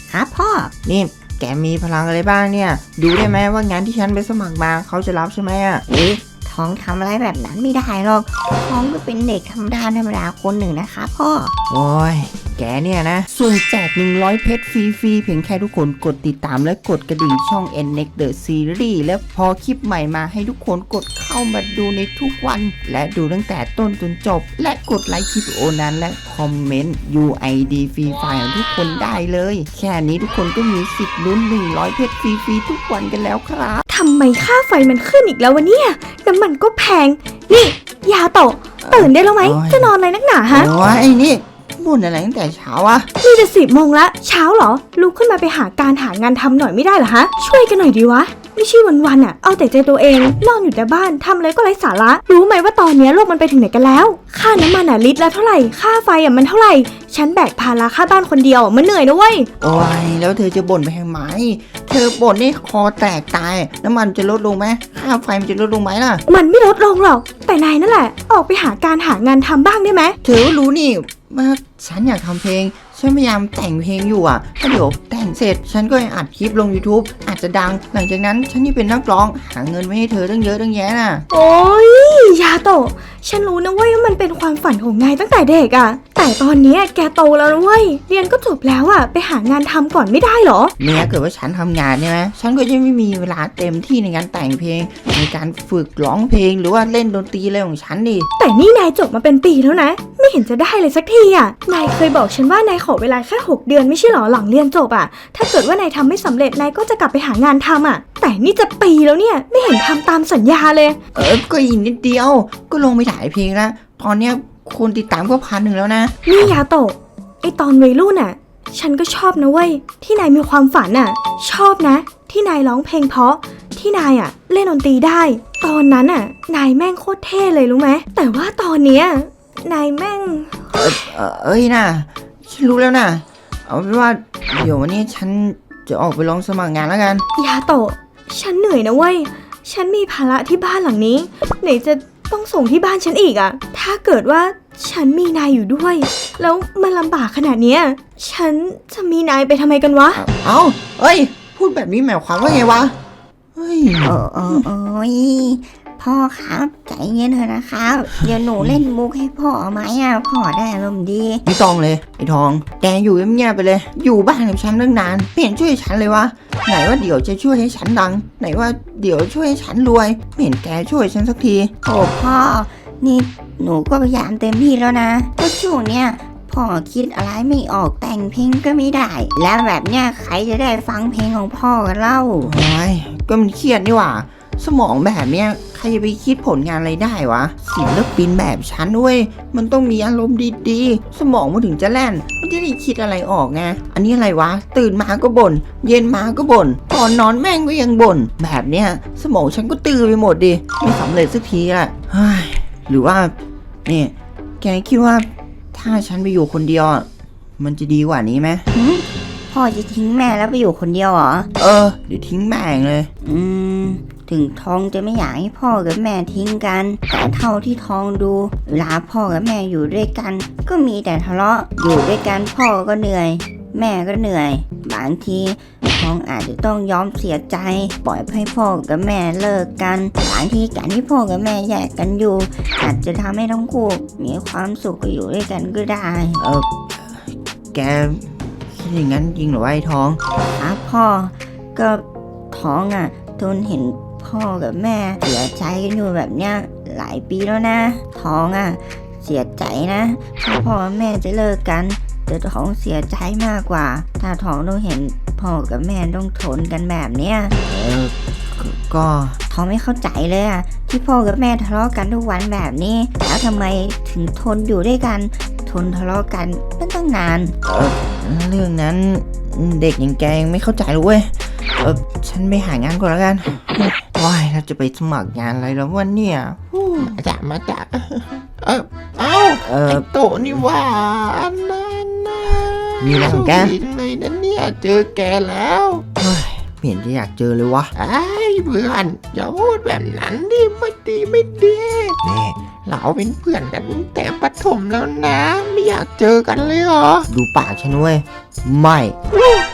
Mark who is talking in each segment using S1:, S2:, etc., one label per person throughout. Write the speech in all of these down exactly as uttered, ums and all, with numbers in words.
S1: ครับพ่อ
S2: นี่แกมีพลังอะไรบ้างเนี่ยดูได้ไหมว่างานที่ฉันไปสมัครมาเขาจะรับใช่ไหมอ่ะ
S1: เอ๊ะท้องทำอะไรแบบนั้นไม่ได้หรอกท้องก็เป็นเด็กธรรมดาธรรมดาคนหนึ่งนะคะพ่อ
S2: โอ้ยแกเนี่ยนะส่วนแจกหนึ่งร้อยเพชรฟรีๆเพียงแค่ทุกคนกดติดตามและกดกระดิ่งช่อง เอ็น เน็กซ์ The Series และพอคลิปใหม่มาให้ทุกคนกดเข้ามาดูในทุกวันและดูตั้งแต่ต้นจนจบและกดไลค์คลิปวิดีโอนั้นและคอมเมนต์ ยู ไอ ดี ฟรีไฟล์ของทุกคนได้เลยแค่นี้ทุกคนก็มีสิทธิ์ลุ้นหนึ่งร้อยเพชรฟรีๆทุกวันกันแล้วครับ
S3: ทำไมค่าไฟมันขึ้นอีกแล้ววะเนี่ยน้ำมันก็แพงนี่ยาโตะตื่นได้แล้วไหมจะนอนอะไรนักหนาฮะ
S2: โอ้ยนี่บ่นอะไรตั้งแต่เช้าอะ
S3: นี่จะสิบโมงละเช้าเหรอลุกขึ้นมาไปหาการหางานทำหน่อยไม่ได้เหรอฮะช่วยกันหน่อยดีวะไม่ใช่วันๆอ่ะเอาแต่ใจตัวเองนอนอยู่แต่บ้านทำอะไรก็ไร้สาระรู้ไหมว่าตอนนี้โลกมันไปถึงไหนกันแล้วค่าน้ำมันอ่ะลิตรละเท่าไหร่ค่าไฟอ่ะมันเท่าไหร่ฉันแบกภาระค่าบ้านคนเดียวมันเหนื่อยนะเว้ย
S2: โอ้ยแล้วเธอจะบ่นไปทำไมเธอบ่นนี่คอแตกตายน้ำมันจะลดลงไหมค่าไฟมันจะลดลงไหมล่ะ
S3: มันไม่ลดลงหรอกแต่นายนั่นแหละออกไปหาการหางานทำบ้างได้ไหม
S2: เธอรู้นี่ว่าฉันอยากทำเพลงฉันพยายามแต่งเพลงอยู่อ่ะถ้าเดี๋ยวแต่งเสร็จฉันก็อัดคลิปลง YouTube อาจจะดังหลังจากนั้นฉันนี่เป็นนักร้องหาเงินไว้ให้เธอตั้งเยอะตั้งแยะน่ะ
S3: โอ้ยยาโตะฉันรู้นะเว้ยว่ามันเป็นความฝันของนายตั้งแต่เด็กอ่ะแต่ตอนนี้แกโตแล้วนะเว้ยเรียนก็จบแล้วอ่ะไปหางานทำก่อนไม่ได้หรอ
S2: เนี่ยเกิดว่าฉันทำงานใช่ไหมฉันก็จะไม่มีเวลาเต็มที่ในการแต่งเพลงในการฝึกร้องเพลงหรือว่าเล่นดนตรีอะไรของฉันดิ
S3: แต่นี่นายจบมาเป็นปีแล้วนะไม่เห็นจะได้เลยสักทีอ่ะนายเคยบอกฉันว่านายขอเวลาแค่หกเดือนไม่ใช่หรอหลังเรียนจบอ่ะถ้าเกิดว่านายทำไม่สำเร็จนายก็จะกลับไปหางานทำอ่ะแต่นี่จะปีแล้วเนี่ยไม่เห็นทำตามสัญญาเลย
S2: เออก็อีกนิดเดียวก็ลงไปถ่ายเพลงแล้วตอนเนี้ยคนติดตามก็พันหนึ่งแล้วนะ
S3: นี่ยาโตะไอตอนวัยรุ่นอ่ะฉันก็ชอบนะเว้ยที่นายมีความฝันอ่ะชอบนะที่นายร้องเพลงเพราะที่นายอ่ะเล่นดนตรีได้ตอนนั้นอ่ะนายแม่งโคตรเท่เลยรู้ไหมแต่ว่าตอนเนี้ยนายแม่ง
S2: เออเอ้ยนะฉันรู้แล้วนะเอาเป็นว่าเดี๋ยววันนี้ฉันจะออกไปลองสมัครงานแล้วกัน
S3: ยาโตะฉันเหนื่อยนะเว้ยฉันมีภาระที่บ้านหลังนี้ไหนจะต้องส่งที่บ้านฉันอีกอ่ะถ้าเกิดว่าฉันมีนายอยู่ด้วยแล้วมันลำบากขนาดเนี้ยฉันจะมีนายไปทำไมกันวะ
S2: เอ้าเอ้ยพูดแบบนี้หมายความว่าไงวะเฮ้ย
S1: โอ้โอ้โอ้ยพ่อครับใจเย็นเถอะนะครับเดี๋ยวหนูเล่นมุกให้พ่อไหมอ่ะพ่อได้อารมณ์ดี
S2: ไม่ต้องเลยไอ้ทองแกอยู่เงียบๆไปเลยอยู่บ้านกับฉันตั้งนานไม่เห็นช่วยฉันเลยวะไหนว่าเดี๋ยวจะช่วยให้ฉันดังไหนว่าเดี๋ยวช่วยให้ฉันรวยไม่เห็นแกช่วยฉันสักที
S1: โอ้พ่อนี่หนูก็พยายามเต็มที่แล้วนะก็ช่วงเนี้ยพ่อคิดอะไรไม่ออกแต่งเพลงก็ไม่ได้แล้วแบบเนี้ยใครจะได้ฟังเพลงของพ่อกันเล่า
S2: โอ้ยก็มันเครียดนี่หว่าสมองแบบเนี้ยใครจะไปคิดผลงานอะไรได้วะศิลปินแบบฉันด้วยมันต้องมีอารมณ์ดีๆสมองมันถึงจะแล่นมันจะได้คิดอะไรออกไงอันนี้อะไรวะตื่นมาก็บ่นเย็นมาก็บ่นก่อนนอนแม่งก็ยังบ่นแบบเนี้ยสมองฉันก็ตื้อไปหมดดิไม่สำเร็จสักทีละหรือว่าเนี่ยแกคิดว่าถ้าฉันไปอยู่คนเดียวมันจะดีกว่านี้ไหม
S1: พ่อจะทิ้งแม่แล้วไปอยู่คนเดียวเหรอ
S2: เออเดี๋ยวทิ้งแม่เลย
S1: อืมถึงท้องจะไม่อยากให้พ่อกับแม่ทิ้งกันแต่เท่าที่ท้องดูเวลาพ่อกับแม่อยู่ด้วยกันก็มีแต่ทะเลาะอยู่ด้วยกันพ่อก็เหนื่อยแม่ก็เหนื่อยบางทีท้องอาจจะต้องยอมเสียใจปล่อยให้พ่อกับแม่เลิกกันบางทีการที่พ่อกับแม่แยกกันอยู่อาจจะทำให้ทั้งคู่มีความสุขอยู่ด้วยกันก็ได้
S2: เออแกคิดอย่างนั้นจริงหรือว่าไอ้ท้อง
S1: ครับพ่อก็ท้องอ่ะทนเห็นพ่อกับแม่เสียใจกันอยู่แบบเนี้ยหลายปีแล้วนะท้องอ่ะเสียใจนะถ้าพ่อแม่จะเลิกกันแต่ท้องเสียใจมากกว่าถ้าท้องต้องเห็นพ่อกับแม่ต้องทนกันแบบเนี้ย
S2: เออก็
S1: ท้องไม่เข้าใจเลยอ่ะที่พ่อกับแม่ทะเลาะกันทุกวันแบบนี้แล้วทำไมถึงทนอยู่ด้วยกันทนทะเลาะกันเป็นตั้งนาน
S2: เออเรื่องนั้นเด็กอย่างแกยังไม่เข้าใจเลยเว้ยเออฉันไปหางานก่อนแล้วกันว้ายเราจะไปสมัครงานอะไรแล้ววันเนี่ย
S4: มาจากมาจากเออเอ้าเออโตนี่ว่าอันนั้นนะ
S2: มีอะไรของแก
S4: เลยนะเนี่ยเจอแกแล้ว
S2: เห็นจะอยากเจอเลยวะ
S4: ไอ้เพื่อนอย่าพูดแบบนั้นดิไม่ดีไม่ดีนี่เราเป็นเพื่อนกันแต่ประถมแล้วนะไม่อยากเจอกันเลยเหรอ
S2: ดูปากฉันเว้ยไม่
S4: จ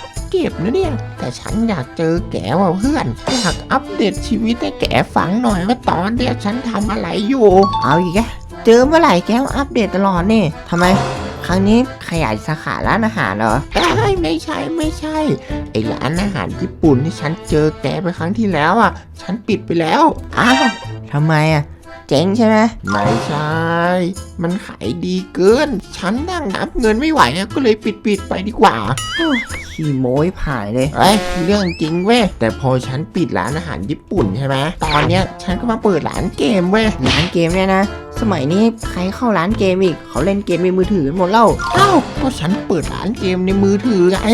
S4: จ็บนะเนี่ยแต่ฉันอยากเจอแกว่ะเพื่อนอยากอัปเดตชีวิตให้แกฟังหน่อยว่าตอนเนี้ยฉันทำอะไรอยู่
S2: เอาอีกแกเจอเมื่อไหร่แกก็อัปเดตตลอดนี่ทำไมครั้งนี้ขยายสาขาร้านอาหารเหรอ
S4: เอ้ยไม่ใช่ไม่ใช่ไอร้านอาหารญี่ปุ่นที่ฉันเจอแกไปครั้งที่แล้วอ่ะฉันปิดไปแล้ว
S2: อ้าวทำไมอ่ะเจ๊งใช่ไหม
S4: ไม่ใช่ มันขายดีเกิน ฉันนั่งนับเงินไม่ไหวอะก็เลยปิดปิดๆไปดีกว่า
S2: ขี้โม้ยผ่ายเลย
S4: เอ้ยเรื่องจริงเว้ยแต่พอฉันปิดร้านอาหารญี่ปุ่นใช่ไหมตอนเนี้ยฉันก็มาเปิดร้านเกมเว้ย
S2: ร้านเกมเนี่ยนะสมัยนี้ใครเข้าร้านเกมอีกเขาเล่นเกมในมือถือกันหมดแล้ว
S4: เอ้าก็ฉันเปิดร้านเกมในมือถือไง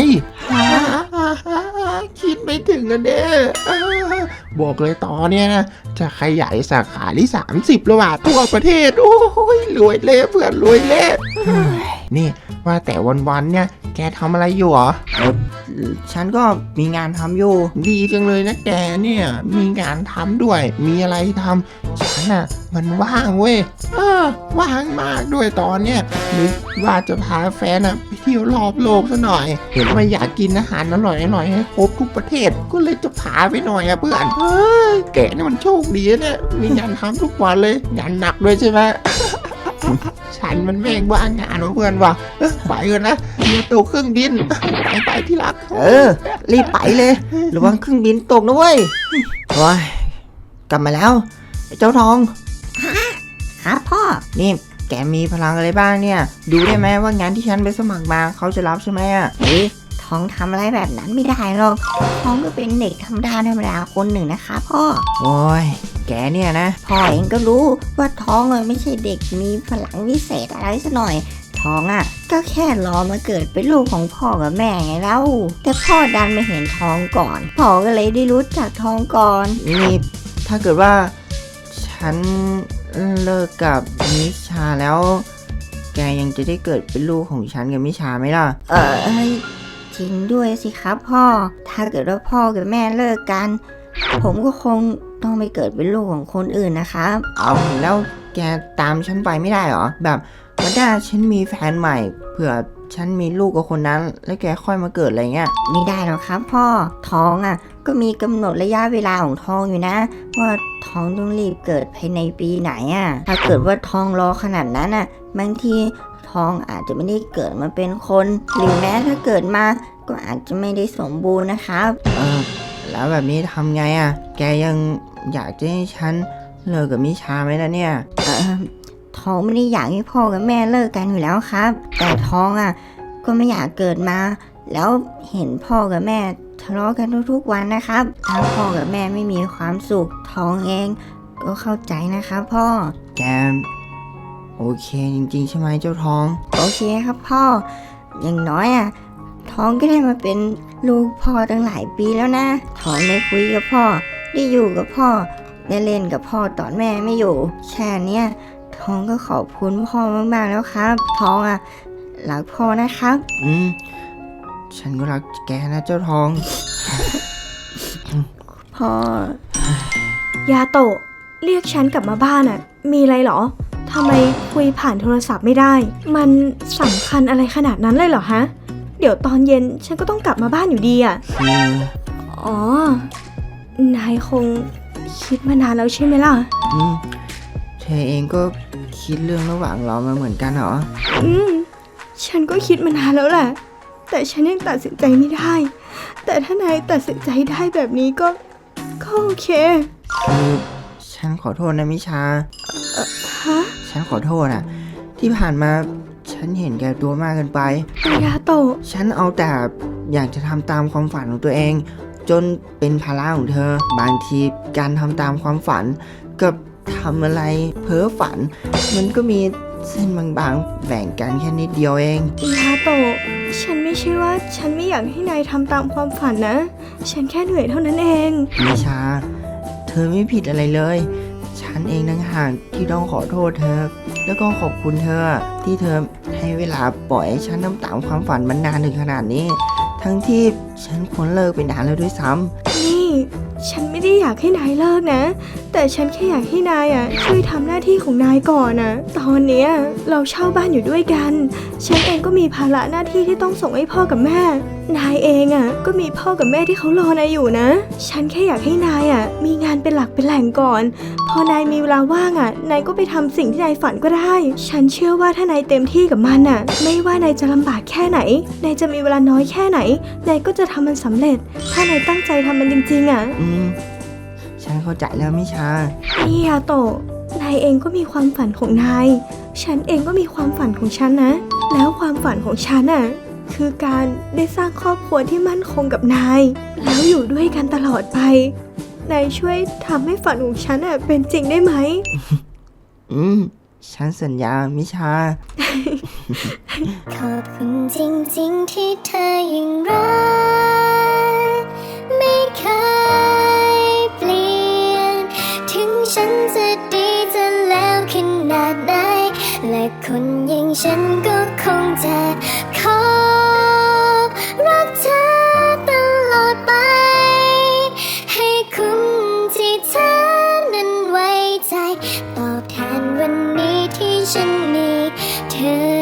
S4: คิดไม่ถึงกันเด้อบอกเลยตอนเนี้ยนะจะขยายสาขาที่สามสิบแล้วว่ะทั่วประเทศโอ้ยรวยเละเพื่อนรวยเละนี่ว่าแต่วันๆเนี่ยแกทำอะไรอยู่เหรอ
S2: ฉันก็มีงานทำอยู่
S4: ดีจังเลยนะแกเนี่ยมีงานทำด้วย มีอะไรทำฉันน่ะมันว่างเว้ยเออว่างมากด้วยตอนเนี้ยนึกว่าจะพาแฟนน่ะไปเที่ยวรอบโลกซะหน่อย เห็นว่าอยากกินอาหารอร่อยอร่อยให้ครบทุกประเทศก็เลยจะพาไปหน่อยอะเพื่อนเฮ้ยแกนี่มันโชคดีนะเนี่ยมีงานทำทุกวันเลยงานหนักด้วยใช่ไหม ฉันมันแม่งว่างงานวะเพื่อนว่ะเอ้ยไปกันนะเดี๋ยวตัวเครื่องบินไปไปที่รัก
S2: เออ รีบไปเลยระวังเครื่องบินตกนะเว้ยโอ้ยกลับมาแล้วไอ้เจ้าทอง
S1: ครับพ่อ
S2: นี่แกมีพลังอะไรบ้างเนี่ย ดูได้ไหมว่างานที่ฉันไปสมัครมาเขาจะรับใช่ไหมอ่ะ
S1: เฮ้ยทองทำอะไรแบบนั้นไม่ได้หรอกทองก็เป็นเด็กธรรมดาธรรมดาคนหนึ่งนะคะพ่อ
S2: โอ้ยแกเนี่ยนะ
S1: พ่อเองก็รู้ว่าท้องอะไม่ใช่เด็กมีพลังวิเศษอะไรซะหน่อยท้องอ่ะก็แค่รอมาเกิดเป็นลูกของพ่อกับแม่ไงเล่าแต่พ่อดันมาเห็นท้องก่อนพ่อก็เลยได้รู้จักท้องก่อน
S2: นี่ถ้าเกิดว่าฉันเลิกกับมิชาแล้ว แกยังจะได้เกิดเป็นลูกของฉันกับมิชาไหมล่ะ
S1: เออเอ้ยจริงด้วยสิครับพ่อถ้าเกิดว่าพ่อกับแม่เลิกกัน ผมก็คงต้องไปเกิดเป็นลูกของคนอื่นนะครับ
S2: เอาแล้วแกตามฉันไปไม่ได้เหรอแบบวันหน้าฉันมีแฟนใหม่เผื่อฉันมีลูกกับคนนั้น แล้วแกค่อยมาเกิดอะไรเงี้ย
S1: ไม่ได้หรอกครับพ่อท้องอ่ะก็มีกำหนดระยะเวลาของท้องอยู่นะ ว่าท้องต้องรีบเกิดภายในปีไหนอ่ะถ้าเกิดว่าท้องรอขนาดนั้นอ่ะบางทีท้องอาจจะไม่ได้เกิดมาเป็นคนหรือแม้ถ้าเกิดมาก็อาจจะไม่ได้สมบูรณ์นะครับ
S2: เออแล้วแบบนี้ทำไงอ่ะ แกยังอยากจะให้ฉันเลิกกับมิชาไหมล่ะเนี่ย
S1: เออท้องไม่ได้อยากให้พ่อกับแม่เลิกกันอยู่แล้วครับ แต่ท้องอ่ะก็ไม่อยากเกิดมา แล้วเห็นพ่อกับแม่ทะเลาะกันทุกๆวันนะครับถ้าพ่อกับแม่ไม่มีความสุขท้องเองก็เข้าใจนะครับพ่อ
S2: แกโอเคจริงๆใช่ไหมเจ้าทอง
S1: โอเคครับพ่อ อย่างน้อยอ่ะท้องก็ได้มาเป็นลูกพ่อตั้งหลายปีแล้วนะท้องได้คุยกับพ่อได้อยู่กับพ่อได้เล่นกับพ่อตอนแม่ไม่อยู่แค่เนี้ยท้องก็ขอบคุณพ่อมากๆแล้วครับท้องอ่ะรักพ่อนะครับ
S2: อืมฉันก็รักแกนะเจ้าทอง
S1: พ่อ
S3: ยาโตะเรียกฉันกลับมาบ้านอะมีอะไรเหรอทำไมคุยผ่านโทรศัพท์ไม่ได้ มันสำคัญอะไรขนาดนั้นเลยเหรอฮะ เดี๋ยวตอนเย็นฉันก็ต้องกลับมาบ้านอยู่ดีอะ
S2: คือ
S3: อ๋อ นายคงคิดมานานแล้วใช่ไหมล่ะ
S2: อืมเธอเองก็คิดเรื่องระหว่างเรามาเหมือนกันเหรอ
S3: อืม ฉันก็คิดมานานแล้วแหละ แต่ฉันยังตัดสินใจไม่ได้ แต่ถ้านายตัดสินใจได้แบบนี้ก็ ก็โอเค
S2: คือฉันขอโทษนะมิชา
S3: ฮะ
S2: ฉันขอโทษนะที่ผ่านมาฉันเห็นแก่ตัวมากเกินไป
S3: ยาโตะ
S2: ฉันเอาแต่อยากจะทำตามความฝันของตัวเอง จนเป็นภาระของเธอ บางทีการทำตามความฝันกับทำอะไรเพ้อฝัน มันก็มีเส้นบางๆแบ่งกันแค่นิดเดียวเอง
S3: ยาโตะฉันไม่ใช่ว่าฉันไม่อยากให้นายทำตามความฝันนะ ฉันแค่เหนื่อยเท่านั้นเอง
S2: มิชา เธอไม่ผิดอะไรเลย ฉันเองต่างหากที่ต้องขอโทษเธอ แล้วก็ขอบคุณเธอ ที่เธอให้เวลาปล่อยให้ฉันทำตามความฝันมันนานถึงขนาดนี้ ทั้งที่ฉันควรเลิกไปนานแล้วด้วยซ้ำ
S3: นี่ ฉันไม่ได้อยากให้นายเลิกนะ แต่ฉันแค่อยากให้นายอ่ะช่วยทำหน้าที่ของนายก่อนนะตอนเนี้ยเราเช่าบ้านอยู่ด้วยกัน ฉันเองก็มีภาระหน้าที่ที่ต้องส่งให้พ่อกับแม่ นายเองอ่ะก็มีพ่อกับแม่ที่เขารอนายอยู่นะ ฉันแค่อยากให้นายอ่ะมีงานเป็นหลักเป็นแหล่งก่อน พอนายมีเวลาว่างอ่ะนายก็ไปทำสิ่งที่นายฝันก็ได้ ฉันเชื่อว่าถ้านายเต็มที่กับมันอ่ะ ไม่ว่านายจะลำบากแค่ไหน นายจะมีเวลาน้อยแค่ไหน นายก็จะทำมันสำเร็จ ถ้านายตั้งใจทำมันจริงๆอ่ะ
S2: อืม ฉันเข้าใจแล้วมิชา
S3: นี่ยาโตะนายเองก็มีความฝันของนาย ฉันเองก็มีความฝันของฉันนะ แล้วความฝันของฉันน่ะ คือการได้สร้างครอบครัวที่มั่นคงกับนาย แล้วอยู่ด้วยกันตลอดไป นายช่วยทำให้ฝันของฉันน่ะเป็นจริงได้ไหม
S2: อืม ฉันสัญญามิชา
S5: ขอบคุณจริงๆที่เธอยังรักไม่เคยเปลี่ยน ถึงฉันจะดีจะแล้วขนาดไหน และคนอย่างฉันก็คงจะขอรักเธอตลอดไป ให้คุณที่เธอนั้นไว้ใจ ตอบแทนวันนี้ที่ฉันมีเธอ